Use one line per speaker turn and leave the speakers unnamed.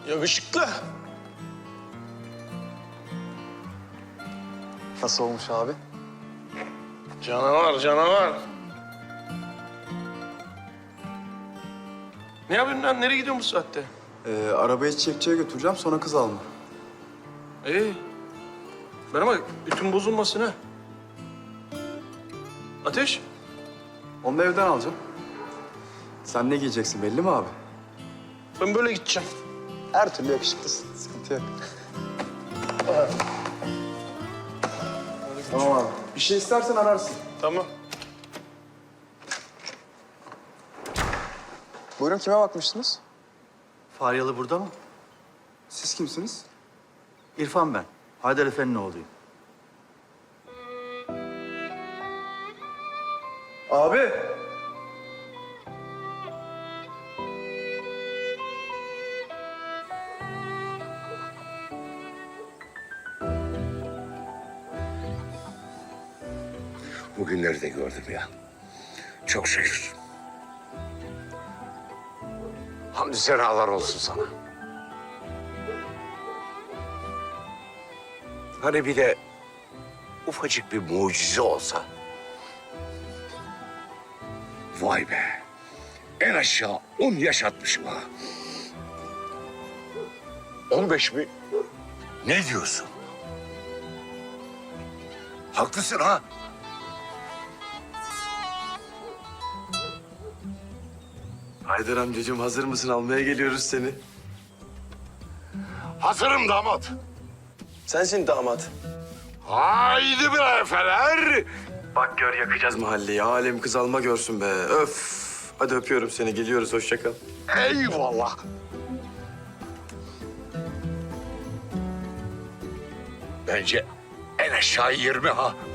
Yakışıklı.
Nasıl olmuş abi?
Canavar, canavar. Ne yapıyorsun lan? Nereye gidiyorsun bu saatte?
Arabayı çiçekçiye götüreceğim, sonra kız alma.
İyi. Bana bak, ütün bozulmasın ha. Ateş.
Onu da evden alacağım. Sen ne giyeceksin belli mi abi?
Ben böyle gideceğim.
Her türlü yakışıklısın, sıkıntı yok. Tamam abi. Bir şey istersen ararsın.
Tamam.
Buyurun, kime bakmıştınız?
Faryalı burada mı?
Siz kimsiniz?
İrfan ben. Haydar Efendi'nin oğluyum.
Abi.
Bugünleri de gördüm ya. Çok şükür. Hamdü senalar olsun sana. Hani bir de ufacık bir mucize olsa. Vay be. En aşağı 10 yaşatmışım ha. 15 mi? Ne diyorsun? Haklısın ha.
Haydar amcacığım, hazır mısın? Almaya geliyoruz seni.
Hazırım damat.
Sensin damat.
Haydi bre efeler.
Bak gör, yakacağız mahalleyi. Alem kız alma görsün be. Öf. Hadi öpüyorum seni. Geliyoruz. Hoşça kal.
Eyvallah. Bence en aşağı 20 ha.